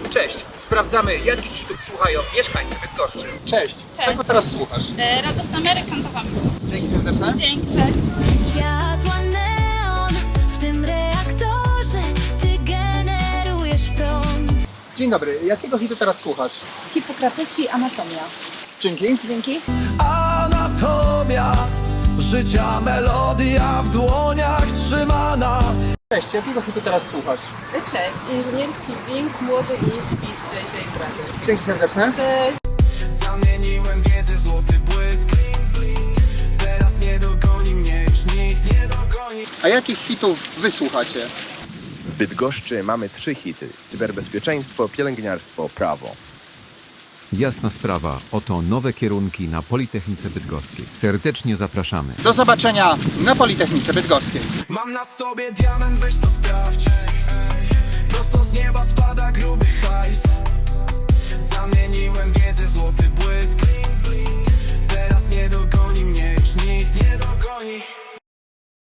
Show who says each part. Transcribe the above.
Speaker 1: Cześć, sprawdzamy jakich hitów słuchają mieszkańcy Bydgoszczy. Cześć, czego teraz słuchasz?
Speaker 2: Radosna Amerykan to wam plus.
Speaker 1: Dzięki serdeczne.
Speaker 2: Dzięki, cześć.
Speaker 3: Światła neon w tym reaktorze, ty generujesz prąd.
Speaker 1: Dzień dobry, jakiego hitu teraz słuchasz?
Speaker 4: Hipokratesi i anatomia.
Speaker 1: Dzięki.
Speaker 4: Dzięki.
Speaker 5: Anatomia życia, melodia w dłoniach trzymana.
Speaker 1: Cześć, jakiego hitu teraz słuchasz?
Speaker 4: Cześć, inżynierski Bing, młody i śpit JJ Brothers.
Speaker 1: Dzięki serdeczne.
Speaker 4: Cześć.
Speaker 5: Zamieniłem wiedzę w złoty błysk. Teraz nie dogoni mnie już nikt, nie dogoni.
Speaker 1: A jakich hitów wy słuchacie?
Speaker 6: W Bydgoszczy mamy 3 hity: cyberbezpieczeństwo, pielęgniarstwo, prawo.
Speaker 7: Jasna sprawa, oto nowe kierunki na Politechnice Bydgoskiej. Serdecznie zapraszamy.
Speaker 1: Do zobaczenia na Politechnice Bydgoskiej.
Speaker 5: Mam na sobie diament, weź to sprawdź. Prosto z nieba spada